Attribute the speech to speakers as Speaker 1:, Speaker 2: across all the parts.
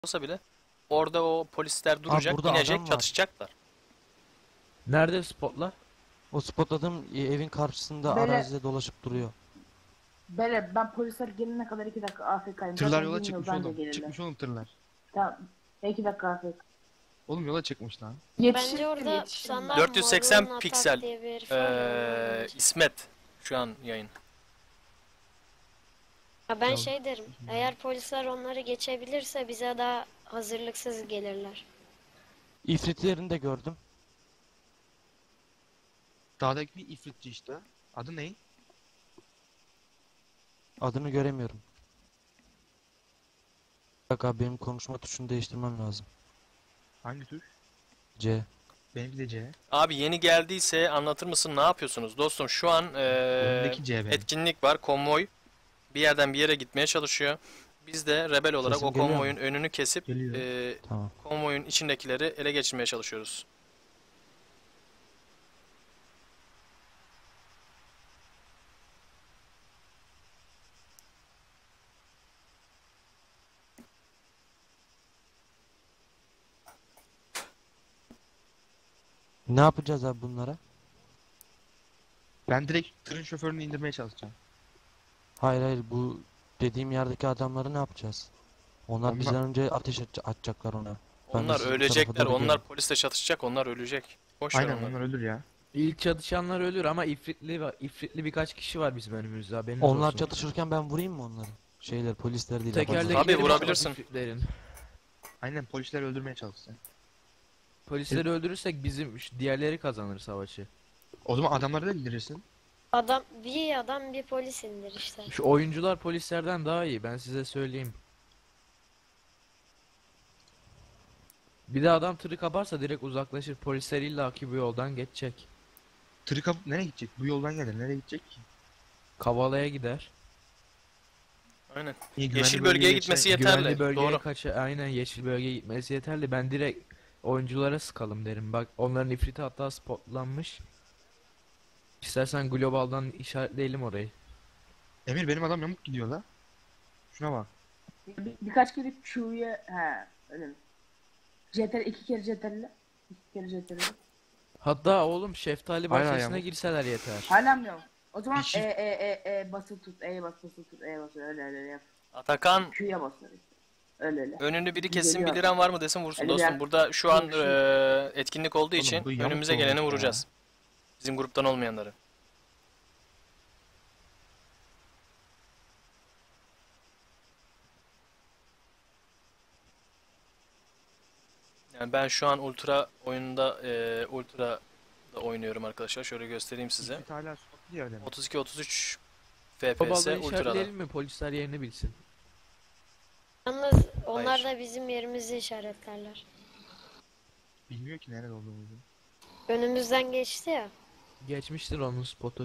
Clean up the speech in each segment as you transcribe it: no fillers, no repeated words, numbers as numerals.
Speaker 1: olsa bile orada o polisler duracak,
Speaker 2: burada
Speaker 1: inecek,
Speaker 2: adam var.
Speaker 1: çatışacaklar.
Speaker 3: Nerede spotlar?
Speaker 2: O spotladığım evin karşısında
Speaker 4: Böyle-
Speaker 2: arazide dolaşıp duruyor.
Speaker 4: Böyle ben polisler gelene kadar 2 dakika AFK'yim.
Speaker 5: Tırlar
Speaker 4: Zaten
Speaker 5: yola
Speaker 4: bilmiyor,
Speaker 5: çıkmış
Speaker 4: bence
Speaker 5: oğlum.
Speaker 4: gelirler.
Speaker 5: Çıkmış oğlum tırlar.
Speaker 4: Tamam. 2 dakika AFK.
Speaker 5: Oğlum yola çıkmış lan.
Speaker 6: Bence orada standart
Speaker 1: 480
Speaker 6: Morun
Speaker 1: piksel,
Speaker 6: Atak diye bir herif var ya, ondan önce.
Speaker 1: İsmet şu an yayın.
Speaker 6: Ya ben şey derim, eğer polisler onları geçebilirse bize daha hazırlıksız gelirler.
Speaker 2: İfritlerini de gördüm.
Speaker 5: Dağdaki bir ifritçi işte. Adı ne?
Speaker 2: Adını göremiyorum. Bak abi, benim konuşma tuşunu değiştirmem lazım.
Speaker 5: Hangi tür?
Speaker 2: C.
Speaker 5: Benimki de C.
Speaker 1: Abi yeni geldiyse anlatır mısın, ne yapıyorsunuz? Dostum şu an
Speaker 5: Önündeki C benim.
Speaker 1: etkinlik var, konvoy bir yerden bir yere gitmeye çalışıyor. Biz de rebel olarak
Speaker 2: Sesim
Speaker 1: o
Speaker 2: geliyor
Speaker 1: konvoyun önünü kesip
Speaker 5: Geliyor.
Speaker 2: Tamam.
Speaker 1: konvoyun içindekileri ele geçirmeye çalışıyoruz.
Speaker 2: Ne yapacağız abi bunlara?
Speaker 5: Ben direkt tırın şoförünü indirmeye çalışacağım.
Speaker 2: Hayır, bu dediğim yerdeki adamları ne yapacağız? Onlar bizden önce atacaklar ona. Ben de
Speaker 1: Onlar
Speaker 2: sizin
Speaker 1: ölecekler,
Speaker 2: tarafa doğru
Speaker 1: onlar
Speaker 2: geliyorum.
Speaker 1: polisle çatışacak, onlar ölecek. Boş ver
Speaker 5: Aynen
Speaker 1: onları.
Speaker 5: onlar ölür ya.
Speaker 3: İlk çatışanlar ölür ama ifritli birkaç kişi var bizim önümüzde, haberiniz
Speaker 2: Onlar
Speaker 3: olsun.
Speaker 2: çatışırken ben vurayım mı onları? Polisler değil.
Speaker 3: Tekerlekleri
Speaker 2: adamlar.
Speaker 1: Tabii,
Speaker 3: patlat
Speaker 1: vurabilirsin.
Speaker 3: ifritlerin.
Speaker 5: Aynen polisler öldürmeye çalışsın.
Speaker 3: Polisleri öldürürsek diğerleri kazanır savaşı.
Speaker 5: O zaman adamları da indirirsin.
Speaker 6: Bir adam bir polis indir işte.
Speaker 3: Şu oyuncular polislerden daha iyi, ben size söyleyeyim. Bir de adam tırı kaparsa direkt uzaklaşır. Polisler illaki bu yoldan geçecek.
Speaker 5: Tırı kapıp nereye gidecek? Bu yoldan gelir. Nereye gidecek ki?
Speaker 3: Kavala'ya gider.
Speaker 1: Aynen.
Speaker 5: İyi, güvenli
Speaker 1: Yeşil bölgeye
Speaker 5: geçer.
Speaker 1: gitmesi yeterli.
Speaker 3: Güvenli bölgeye
Speaker 1: Doğru.
Speaker 3: aynen, yeşil bölgeye gitmesi yeterli. Ben direkt oyunculara sıkalım derim. Bak, onların ifriti hatta spotlanmış. İstersen globaldan işaretleyelim orayı.
Speaker 5: Emir benim adam yamuk gidiyor la. Şuna bak.
Speaker 4: Birkaç kere Q'ya öyle mi? CTRL 2 kere CTRL. 2 kere CTRL.
Speaker 3: Hatta oğlum şeftali
Speaker 5: Hala
Speaker 3: bahçesine
Speaker 5: yamuk.
Speaker 3: girseler yeter.
Speaker 4: Hala mı yok? O zaman
Speaker 5: Bir şey-
Speaker 4: basılı tut, basılı tut, basılı öyle yap.
Speaker 1: Atakan,
Speaker 4: Q'ya basılı işte. Öyle.
Speaker 1: önünü biri kessin,
Speaker 4: Geliyor.
Speaker 1: biliren var mı desin, vursun.
Speaker 4: Hadi
Speaker 1: Dostum
Speaker 4: gel.
Speaker 1: burada şu an
Speaker 4: Yok, şu-
Speaker 1: etkinlik olduğu
Speaker 5: Oğlum,
Speaker 1: için
Speaker 5: bu yamuk
Speaker 1: önümüze
Speaker 5: olmuş
Speaker 1: geleni
Speaker 5: ya.
Speaker 1: vuracağız. Bizim gruptan olmayanları. Yani ben şu an Ultra oyununda Ultra da oynuyorum arkadaşlar. Şöyle göstereyim size.
Speaker 5: İfrit hala spotlu yerde mi?
Speaker 1: 32-33 FPS
Speaker 3: Globaldan
Speaker 1: Ultra'da.
Speaker 3: işaretleyelim mi? Polisler yerini bilsin.
Speaker 6: Yalnız onlar
Speaker 1: Hayır.
Speaker 6: da bizim yerimizi işaretlerler.
Speaker 5: Bilmiyor ki nerede olduğumuzu.
Speaker 6: Önümüzden geçti ya.
Speaker 3: Geçmiştir onun spotu.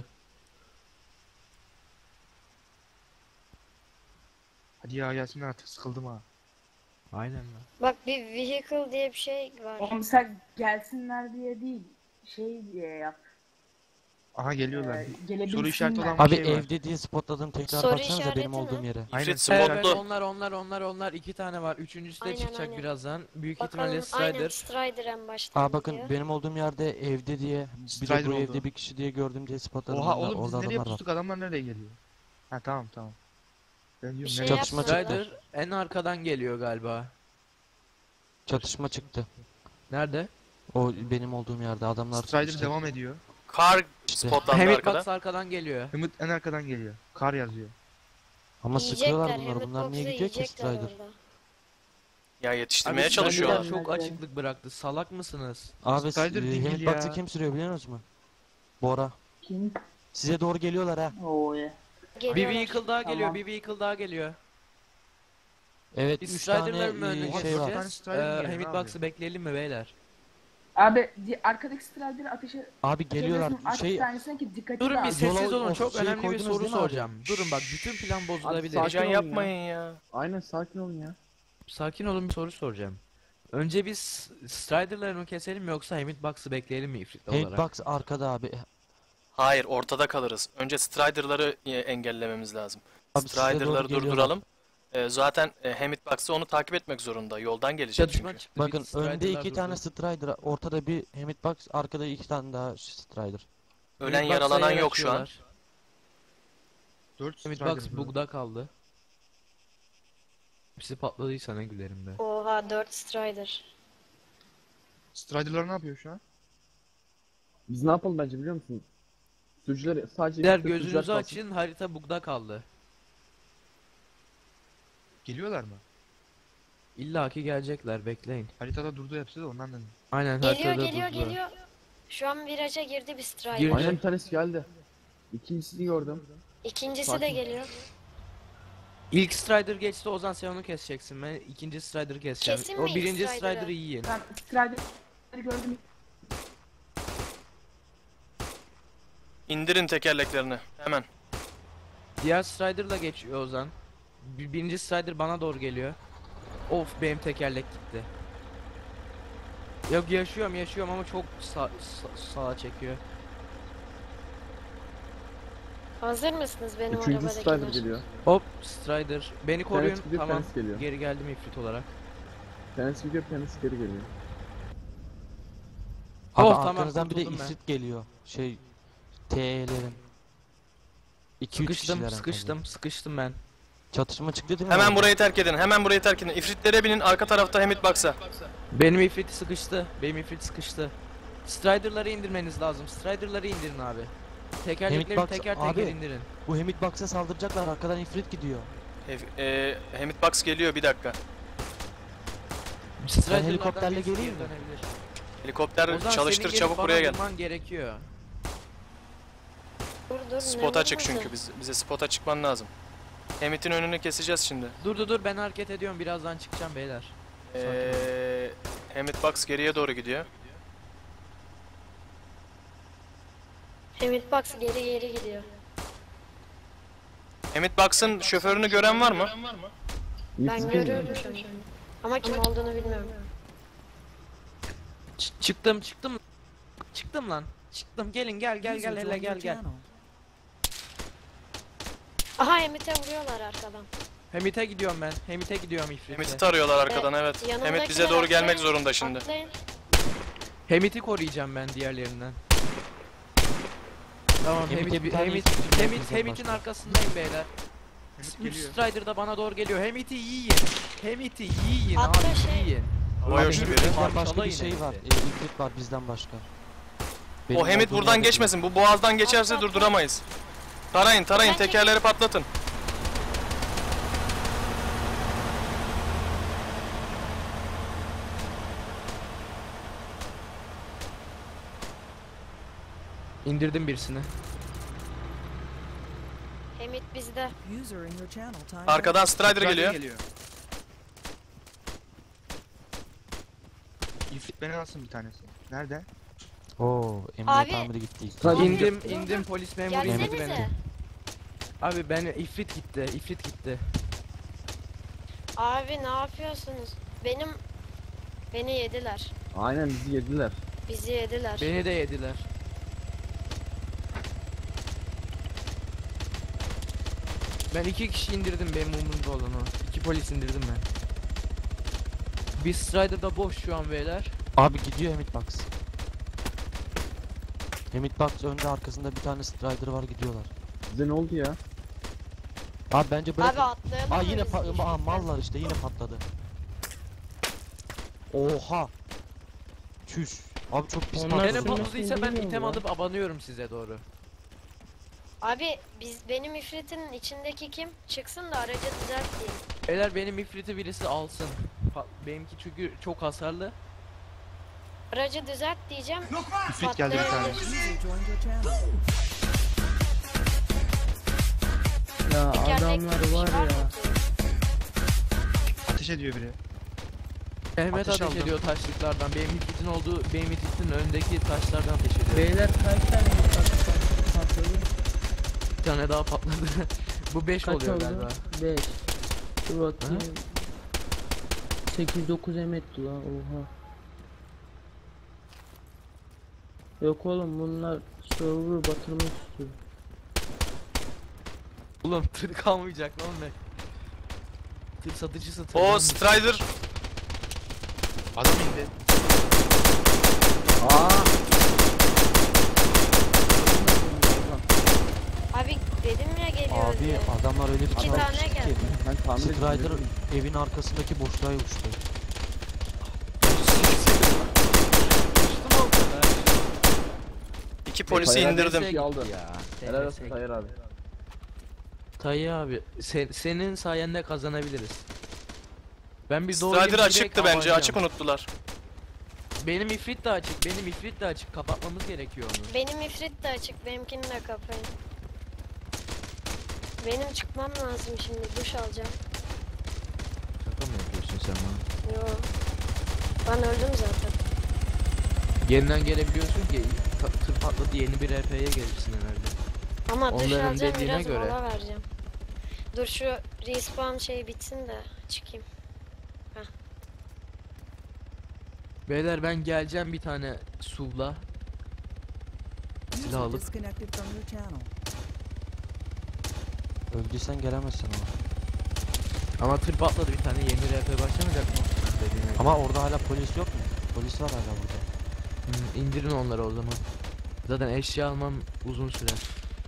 Speaker 5: Hadi ya gelsinler artık, sıkıldım ha.
Speaker 3: Aynen lan.
Speaker 6: Bak, bir vehicle diye bir şey var.
Speaker 4: Oğlum sen gelsinler diye değil, şey diye yap.
Speaker 5: Aha geliyorlar. Soru işareti olan
Speaker 4: Gelebilsinler.
Speaker 5: bir
Speaker 2: Abi
Speaker 5: şey var.
Speaker 2: evde diye spotladım, tekrar
Speaker 6: Soru
Speaker 2: baksanıza
Speaker 6: işareti
Speaker 2: benim olduğum
Speaker 6: mi?
Speaker 2: yere.
Speaker 5: Aynen.
Speaker 1: İfrit
Speaker 3: Evet,
Speaker 1: spotlu.
Speaker 3: onlar iki tane var. Üçüncüsü de
Speaker 6: Aynen,
Speaker 3: çıkacak
Speaker 6: aynen.
Speaker 3: birazdan. Büyük
Speaker 6: Bakalım,
Speaker 3: ihtimalle
Speaker 6: aynen
Speaker 3: Strider.
Speaker 6: Strider en baştan
Speaker 2: Aa bakın,
Speaker 6: gidiyor.
Speaker 2: benim olduğum yerde evde diye, bir de
Speaker 5: Strider
Speaker 2: bu
Speaker 5: oldu.
Speaker 2: evde bir kişi diye gördüm diye spotladım.
Speaker 5: Oha
Speaker 2: Orada-
Speaker 5: oğlum biz
Speaker 2: orada
Speaker 5: nereye
Speaker 2: adamlar var.
Speaker 5: pustuk, adamlar nereye geliyor? Ha tamam. Ben diyorum
Speaker 6: şey
Speaker 5: nereye
Speaker 2: Çatışma
Speaker 6: yapsana.
Speaker 2: çıktı.
Speaker 3: Strider en arkadan geliyor galiba.
Speaker 2: Çatışma çıktı.
Speaker 3: Nerede?
Speaker 2: O benim olduğum yerde adamlar
Speaker 5: Strider
Speaker 2: işte-
Speaker 5: devam ediyor.
Speaker 1: Kar
Speaker 2: İşte.
Speaker 1: spotlandı
Speaker 3: Hamid
Speaker 1: arkada.
Speaker 3: Box arkadan geliyor.
Speaker 5: Ümit en arkadan geliyor. Kar yazıyor.
Speaker 2: Ama sıkıyorlar
Speaker 6: Yiyecekler,
Speaker 2: bunları. Bunlar niye
Speaker 6: Hamid
Speaker 2: gidiyor ki
Speaker 6: Box'u yiyecekler
Speaker 2: Strider?
Speaker 6: orada.
Speaker 1: Ya yetiştirmeye
Speaker 3: Abi
Speaker 1: çalışıyorlar.
Speaker 3: Strider'lar çok açıklık bıraktı. Salak mısınız?
Speaker 2: Abi
Speaker 5: Strider dingil
Speaker 2: Hamid
Speaker 5: ya.
Speaker 2: Box'ı kim sürüyor biliyor musunuz? Bora.
Speaker 4: Kim?
Speaker 2: Size doğru geliyorlar ha.
Speaker 4: Oo ya.
Speaker 3: Bir
Speaker 6: Geliyorlar.
Speaker 3: vehicle daha geliyor.
Speaker 4: Tamam.
Speaker 3: Bir vehicle daha geliyor.
Speaker 2: Evet,
Speaker 3: Biz
Speaker 2: 3 tane
Speaker 3: Strider'ların mı önüne
Speaker 2: şey var.
Speaker 3: geçeceğiz?
Speaker 5: Strider geliyor,
Speaker 3: Hamid
Speaker 5: ne
Speaker 3: Box'ı bekleyelim mi beyler?
Speaker 4: Abi arkadaki Strider'ı ateşe
Speaker 2: Abi geliyorlar.
Speaker 4: atabilirsin,
Speaker 2: Şey,
Speaker 4: bir tanesine ki dikkatli
Speaker 3: Durun bir
Speaker 4: dağılsın.
Speaker 3: sessiz
Speaker 2: Yola
Speaker 3: olun.
Speaker 2: o
Speaker 3: Çok
Speaker 2: şeyi
Speaker 3: önemli bir
Speaker 2: koydunuz
Speaker 3: soru
Speaker 2: değil mi abi?
Speaker 3: soracağım. Durun bak, bütün plan bozulabilir.
Speaker 1: Heyecan
Speaker 7: olun ya.
Speaker 1: yapmayın ya.
Speaker 7: Aynen, sakin olun ya.
Speaker 3: Sakin olun, bir soru soracağım. Önce biz Strider'ları mı keselim mi, yoksa Hamid Box'ı bekleyelim mi ifrit
Speaker 2: Hamid
Speaker 3: olarak?
Speaker 2: Box arkada abi.
Speaker 1: Hayır, ortada kalırız. Önce Strider'ları engellememiz lazım.
Speaker 2: Abi size doğru
Speaker 1: Strider'ları
Speaker 2: geliyorlar.
Speaker 1: durduralım. Zaten Hemitbox'ı onu takip etmek zorunda. Yoldan gelecek
Speaker 3: Çatışma
Speaker 1: çünkü.
Speaker 3: çıktı.
Speaker 2: Bakın
Speaker 3: bir
Speaker 2: önde
Speaker 3: Strider'lar
Speaker 2: 2
Speaker 3: durdu.
Speaker 2: tane Strider, ortada bir Hemitbox, arkada 2 tane daha Strider.
Speaker 1: Ölen
Speaker 3: Hitbox'a
Speaker 1: yaralanan
Speaker 3: yer
Speaker 1: yok şu an.
Speaker 3: açıyorlar.
Speaker 5: 4
Speaker 3: Hitbox
Speaker 5: Strider.
Speaker 3: bug'da kaldı. Hepsi patladıysa ne gülerim be.
Speaker 6: Oha 4 Strider.
Speaker 5: Strider'lar ne yapıyor şu an?
Speaker 7: Biz ne yapalım bence biliyor musun? Sürücüler sadece
Speaker 3: Beyler
Speaker 7: sürücüler
Speaker 3: gözünüzü
Speaker 7: kalsın.
Speaker 3: açın, harita bug'da kaldı.
Speaker 5: Geliyorlar mı?
Speaker 3: İlla ki gelecekler, bekleyin.
Speaker 5: Haritada durdu hepsi de ondan dedim.
Speaker 3: Aynen
Speaker 6: Geliyor
Speaker 3: haritada
Speaker 6: geliyor
Speaker 3: durdular.
Speaker 6: geliyor. Şu an viraja girdi bir Strider.
Speaker 3: Gir-
Speaker 7: Aynen bir tanesi geldi. İkincisini gördüm.
Speaker 6: İkincisi de
Speaker 7: Sakin.
Speaker 6: geliyor.
Speaker 3: İlk Strider geçti, Ozan sen onu keseceksin. Ben ikinci Strider'ı keseceğim.
Speaker 6: Kesin mi
Speaker 3: O
Speaker 6: ilk
Speaker 3: birinci
Speaker 6: Strider'ı?
Speaker 3: Strider'ı yiyin.
Speaker 4: Ben Strider'ı gördüm.
Speaker 1: İndirin tekerleklerini hemen.
Speaker 3: Diğer Strider'la geçiyor Ozan. Birinci Strider bana doğru geliyor. Of benim tekerlek gitti. Yok yaşıyorum ama çok sağa çekiyor.
Speaker 6: Hazır mısınız benim
Speaker 7: Üçüncü Strider
Speaker 6: arabadakiler?
Speaker 7: geliyor.
Speaker 3: Hop Strider. Beni koruyun.
Speaker 7: Tanesi gidiyor,
Speaker 3: Tamam.
Speaker 7: tanesi geliyor.
Speaker 3: Geri geldim ifrit olarak.
Speaker 7: Tanesi gidiyor, tanesi geri geliyor.
Speaker 2: Abi
Speaker 3: Oh, tamam,
Speaker 2: arkanızdan bir de
Speaker 3: kurtuldum ben.
Speaker 2: ifrit geliyor. TE'lerin. 2-3 kişiler
Speaker 3: Sıkıştım ben.
Speaker 2: Çatışma çıktı değil mi?
Speaker 1: Hemen
Speaker 2: orada?
Speaker 1: burayı terk edin. Hemen burayı terk edin. İfritlere binin arka tarafta Hemitbox'a.
Speaker 3: Benim ifrit sıkıştı. Strider'ları indirmeniz lazım. Strider'ları indirin abi. Tekerlekleri
Speaker 2: Hemitbox-
Speaker 3: teker
Speaker 2: abi.
Speaker 3: teker indirin.
Speaker 2: Bu Hemitbox'a saldıracaklar, arkadan ifrit gidiyor.
Speaker 1: Hemitbox geliyor bir dakika.
Speaker 3: Strider'lardan
Speaker 2: helikopterle
Speaker 3: birisi
Speaker 2: geleyim mi?
Speaker 3: geri dönebilir.
Speaker 1: Helikopter
Speaker 3: Ozan,
Speaker 1: çalıştır
Speaker 3: senin gelip
Speaker 1: çabuk
Speaker 3: bana
Speaker 1: buraya gel.
Speaker 3: vurman gerekiyor.
Speaker 6: Dur
Speaker 1: Spota çık
Speaker 6: vurmadı?
Speaker 1: çünkü bize spota çıkman lazım. Hemit'in önünü keseceğiz şimdi.
Speaker 3: Dur ben hareket ediyorum, birazdan çıkacağım beyler.
Speaker 1: Hemitbox geriye doğru gidiyor.
Speaker 6: Hemitbox geri gidiyor.
Speaker 1: Hemitbox'ın şoförünü gören var mı?
Speaker 6: Ben
Speaker 7: İkisi
Speaker 6: görüyorum şu an. Ama kim olduğunu bilmiyorum.
Speaker 3: Çıktım lan. Çıktım, gelin gel hele gel.
Speaker 6: Aha Hemit'e vuruyorlar arkadan.
Speaker 3: Hemit'e gidiyorum ben. Hemit'e gidiyorum
Speaker 1: Hemit'i
Speaker 3: ifritle.
Speaker 1: tarıyorlar arkadan evet.
Speaker 6: yanımdakiler
Speaker 1: Hemit bize doğru gelmek
Speaker 6: atlayın,
Speaker 1: zorunda şimdi.
Speaker 6: atlayın.
Speaker 3: Hemit'i koruyacağım ben diğerlerinden. Tamam
Speaker 2: Hemit'e bir tane ifrit yapacağız
Speaker 3: Hemit'in
Speaker 2: başka.
Speaker 3: arkasındayım beyler.
Speaker 5: Hemit
Speaker 3: 3
Speaker 5: geliyor.
Speaker 3: Strider da bana doğru geliyor. Hemit'i yiyin
Speaker 6: Atla
Speaker 3: abi,
Speaker 6: şey.
Speaker 3: yiyin.
Speaker 1: Hava
Speaker 2: Abi
Speaker 1: yoşu biri.
Speaker 2: Hemit'ten başka bir
Speaker 3: Parçalayın
Speaker 2: şey var.
Speaker 3: Hemit'i.
Speaker 2: İfrit var bizden başka. Benim
Speaker 1: O Hemit
Speaker 2: olduğum
Speaker 1: buradan
Speaker 2: yerde değil.
Speaker 1: geçmesin. Bu boğazdan geçerse
Speaker 6: Atla.
Speaker 1: durduramayız. Tarayın
Speaker 6: Ben
Speaker 1: tekerleri patlatın.
Speaker 3: İndirdim birisini.
Speaker 6: Hemit bizde.
Speaker 8: User in your channel time.
Speaker 1: Arkadan Strider geliyor.
Speaker 5: İfrit beni alsın bir tanesi. Nerede?
Speaker 2: Oo,
Speaker 6: Abi.
Speaker 2: emniyet amiri gitti.
Speaker 7: Strider-
Speaker 3: İndim polis memuru indirdi beni.
Speaker 6: Gelsenize.
Speaker 3: Abi ben ifrit gitti.
Speaker 6: Abi ne yapıyorsunuz? Beni yediler.
Speaker 7: Aynen bizi yediler.
Speaker 6: Bizi yediler.
Speaker 3: Beni de yediler. Ben 2 kişi indirdim, benim umurumda olan o. 2 polis indirdim ben. Bir Strider da boş şu an beyler.
Speaker 2: Abi gidiyor Hemitbox. Hemitbox önde, arkasında bir tane Strider var, gidiyorlar.
Speaker 7: Bize ne oldu ya?
Speaker 2: Abi bence bırakın.
Speaker 6: Abi atlayalım
Speaker 2: Aa
Speaker 6: mı
Speaker 2: yine
Speaker 6: biz ifritle?
Speaker 2: mallar işte, yine patladı. Oha. Çüş. Abi çok pis
Speaker 7: Onlar
Speaker 3: Gene
Speaker 2: patladı.
Speaker 7: sürmesi
Speaker 3: patladıysa ben
Speaker 7: bilmiyorum
Speaker 3: item
Speaker 7: ya.
Speaker 3: alıp abanıyorum size doğru.
Speaker 6: Abi benim ifritin içindeki kim? Çıksın da aracı düzelteyim.
Speaker 3: Beyler benim ifriti birisi alsın. Benimki çünkü çok hasarlı.
Speaker 6: Aracı düzelt diyeceğim.
Speaker 5: İfrit geldi bir tane.
Speaker 6: patlayabilir.
Speaker 8: User joined your channel.
Speaker 9: Ya
Speaker 6: Tekerlekli bir şey var mı ki?
Speaker 5: Ateş ediyor biri.
Speaker 3: Mehmet
Speaker 5: Ateş
Speaker 3: ateş
Speaker 5: aldım.
Speaker 3: ediyor taşlıklardan. Benim ifritin önündeki taşlardan ateş ediyor.
Speaker 9: Beyler kaç tane patladı?
Speaker 3: Bir tane daha patladı. Bu 5
Speaker 9: Kaç
Speaker 3: oluyor
Speaker 9: oldu?
Speaker 3: galiba.
Speaker 9: 5. Dur bakayım. 8-9 emetti lan, oha. Yok oğlum, bunlar server batırmak istiyor.
Speaker 3: Oğlum tır kalmayacak lan be. Tır satıcısı
Speaker 1: O
Speaker 3: tırdan
Speaker 1: Strider.
Speaker 5: Adam indi.
Speaker 7: Aa!
Speaker 6: Abi dedim ya geliyor
Speaker 2: Abi
Speaker 6: diye.
Speaker 2: adamlar öyle bir
Speaker 6: İki
Speaker 2: çabuk
Speaker 6: tane
Speaker 2: uçtu ki.
Speaker 6: geldi.
Speaker 7: Ben tahmin
Speaker 2: Strider
Speaker 7: ettim.
Speaker 2: evin arkasındaki boşluğa uçtu.
Speaker 3: Uçtum o kadar.
Speaker 1: 2 polisi
Speaker 7: Tayyar
Speaker 1: indirdim.
Speaker 7: Bey aldı.
Speaker 3: Ya.
Speaker 7: Helal olsun Tayyar abi.
Speaker 3: Tayyip abi senin sayende kazanabiliriz. Ben bir doğruyum,
Speaker 1: Strider
Speaker 3: direkt
Speaker 1: açıktı bence.
Speaker 3: alacağım.
Speaker 1: Açık unuttular.
Speaker 3: Benim ifrit de açık. Benim ifrit de açık. Kapatmamız gerekiyor onu.
Speaker 6: Benim ifrit de açık. Benimkini de kapayın. Benim çıkmam lazım şimdi. Duş alacağım.
Speaker 3: Şaka mı yapıyorsun sen bana?
Speaker 6: Yo. Ben öldüm zaten.
Speaker 3: Yeniden gelebiliyorsun ki tır patladı yeni bir RP'ye gelirsin herhalde.
Speaker 6: Ama duş
Speaker 3: Onların
Speaker 6: alacağım,
Speaker 3: dediğine
Speaker 6: biraz
Speaker 3: göre.
Speaker 6: mola vereceğim. Dur şu respawn şey bitsin de çıkayım.
Speaker 3: Beyler ben geleceğim bir tane SUV'la. Silah
Speaker 8: User
Speaker 3: alıp.
Speaker 8: disconnected from your channel.
Speaker 2: Öldüysen gelemezsin ama.
Speaker 3: Ama tır patladı bir tane yeni RP başlamayacak mı? Dediğine göre.
Speaker 2: Ama orada hala polis yok mu? Polis var hala burada.
Speaker 3: İndirin onları o zaman. Zaten eşya almam uzun sürer.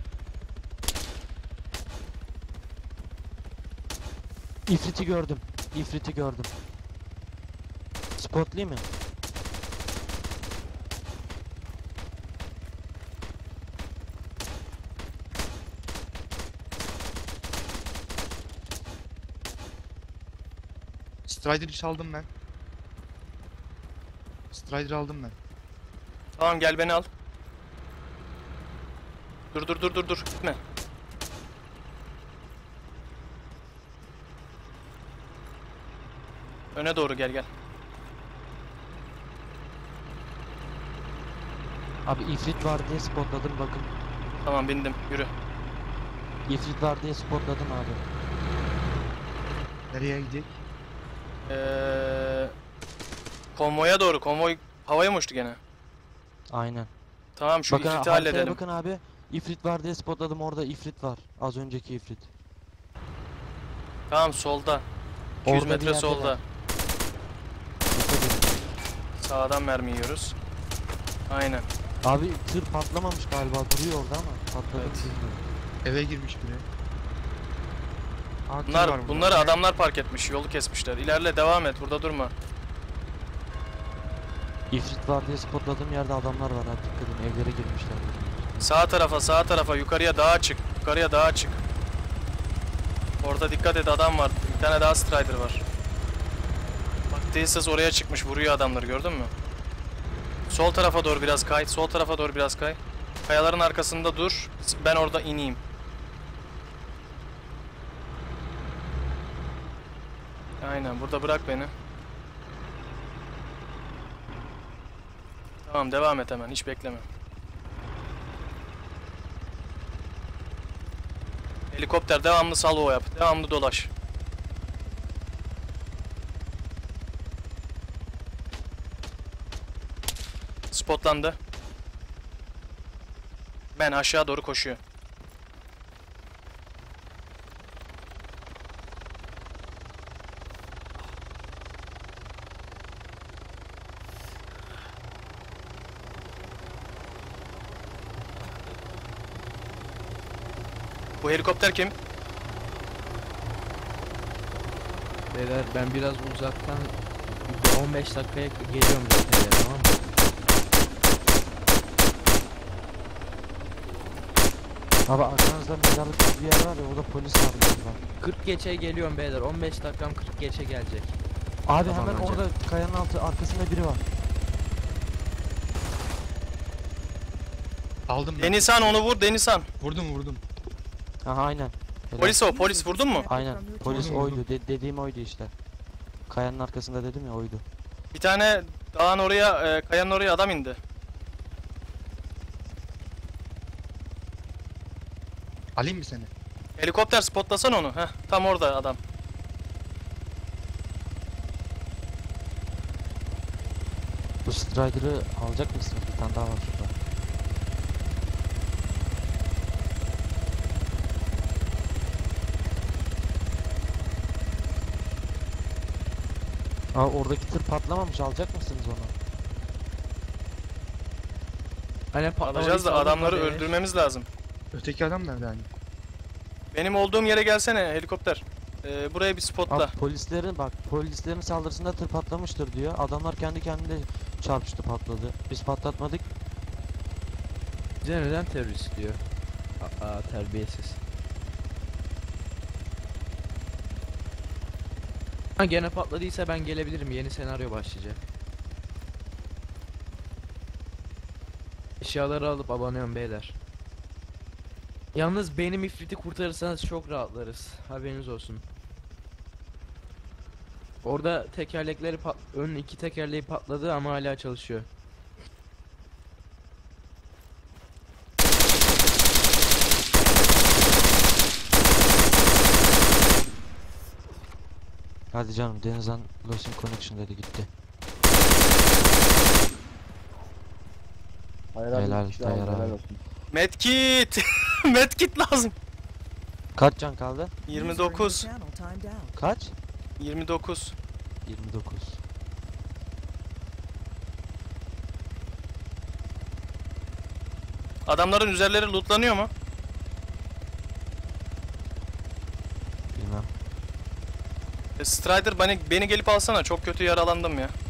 Speaker 2: İfrit'i gördüm. İfrit'i gördüm. Spotlayayım mı?
Speaker 5: Strider'ı çaldım ben. Strider'ı aldım ben.
Speaker 1: Tamam gel beni al. Dur. Gitme. Öne doğru gel.
Speaker 2: Abi ifrit var diye spotladım bakın.
Speaker 1: Tamam bindim. Yürü.
Speaker 2: İfrit var diye spotladım abi.
Speaker 5: Nereye gidecek?
Speaker 1: Konvoya doğru. Konvoy havaya mı uçtu gene?
Speaker 2: Aynen.
Speaker 1: Tamam şu
Speaker 2: Bakın
Speaker 1: ifriti
Speaker 2: haritaya
Speaker 1: halledelim.
Speaker 2: bakın abi. İfrit var diye spotladım, orada ifrit var. Az önceki ifrit.
Speaker 1: Tamam solda. 200
Speaker 2: Orada bir
Speaker 1: metre
Speaker 2: yerdeler.
Speaker 1: solda.
Speaker 2: Dikkat edin.
Speaker 1: Sağdan mermi yiyoruz. Aynen.
Speaker 2: Abi tır patlamamış galiba, duruyor orada ama patladı mı
Speaker 1: Evet.
Speaker 2: bilmiyorum.
Speaker 5: Eve girmiş biri. Aa, tır var burada.
Speaker 1: Bunları adamlar park etmiş. Yolu kesmişler. İlerle devam et. Burada durma.
Speaker 2: İfrit var diye spotladığım yerde adamlar var abi, dikkat edin, evlere girmişler.
Speaker 1: Sağ tarafa. Yukarıya dağa çık. Orada dikkat et, adam var. Bir tane daha Strider var. Bak tesisat oraya çıkmış. Vuruyor adamları, gördün mü? Sol tarafa doğru biraz kay. Kayaların arkasında dur. Ben orada ineyim. Aynen, burada bırak beni. Tamam, devam et hemen, hiç bekleme. Helikopter devamlı salvo yap. Devamlı dolaş. Spotlandı. Ben aşağı doğru koşuyor. Bu helikopter kim?
Speaker 3: Beyler ben biraz uzaktan 15 dakikaya geliyorum zaten, tamam mı?
Speaker 2: Abi arkanızda mezarlık gibi bir yer var ya, orada polis var galiba.
Speaker 3: 40 geçe geliyorum beyler. 15 dakikam 40 geçe gelecek.
Speaker 2: Abi
Speaker 3: Tamam,
Speaker 2: hemen
Speaker 3: önce.
Speaker 2: orada kayanın altı arkasında biri var.
Speaker 5: Aldım ben.
Speaker 1: Denizhan, onu vur Denizhan.
Speaker 5: Vurdum.
Speaker 2: Aha aynen. Helal.
Speaker 1: Polis o, polis vurdun mu?
Speaker 2: Aynen, polis
Speaker 5: Vurdum,
Speaker 2: oydu. Dediğim oydu işte. Kayanın arkasında dedim ya, oydu.
Speaker 1: Bir tane dağın oraya, kayanın oraya adam indi.
Speaker 5: Alayım mı seni?
Speaker 1: Helikopter spotlasan onu. Heh, tam orada adam.
Speaker 2: Bu Strider'ı alacak mısınız? Bir tane daha var şurada. Aa, oradaki tır patlamamış, alacak mısınız onu?
Speaker 3: Hani
Speaker 1: Alacağız da
Speaker 3: patlamadıysa
Speaker 1: adamları
Speaker 3: alın,
Speaker 1: öldürmemiz lazım.
Speaker 5: Öteki adam nerede hani?
Speaker 1: Benim olduğum yere gelsene helikopter. Buraya bir spotla.
Speaker 2: Abi polislerin saldırısında tır patlamıştır diyor. Adamlar kendi kendine çarpıştı, patladı. Biz patlatmadık.
Speaker 3: Bize neden terörist diyor? Aa, terbiyesiz. Ha, gene patladıysa ben gelebilirim. Yeni senaryo başlayacak. Eşyaları alıp abanıyorum beyler. Yalnız benim ifriti kurtarırsanız çok rahatlarız. Haberiniz olsun. Orada tekerlekleri ön iki tekerleği patladı ama hala çalışıyor.
Speaker 2: Hadi canım, Denizhan Lost in Connection dedi, gitti.
Speaker 7: Hayır abi,
Speaker 2: Helal,
Speaker 7: bir kişi daha aldı,
Speaker 2: helal
Speaker 7: helal
Speaker 2: abi.
Speaker 7: olsun.
Speaker 1: Medkit! Medkit lazım.
Speaker 2: Kaç can kaldı?
Speaker 8: User in your
Speaker 1: 29.
Speaker 8: channel timed out.
Speaker 2: Kaç?
Speaker 1: 29.
Speaker 2: 29.
Speaker 1: Adamların üzerleri lootlanıyor mu?
Speaker 2: Bilmem.
Speaker 1: Strider beni gelip alsana. Çok kötü yaralandım ya.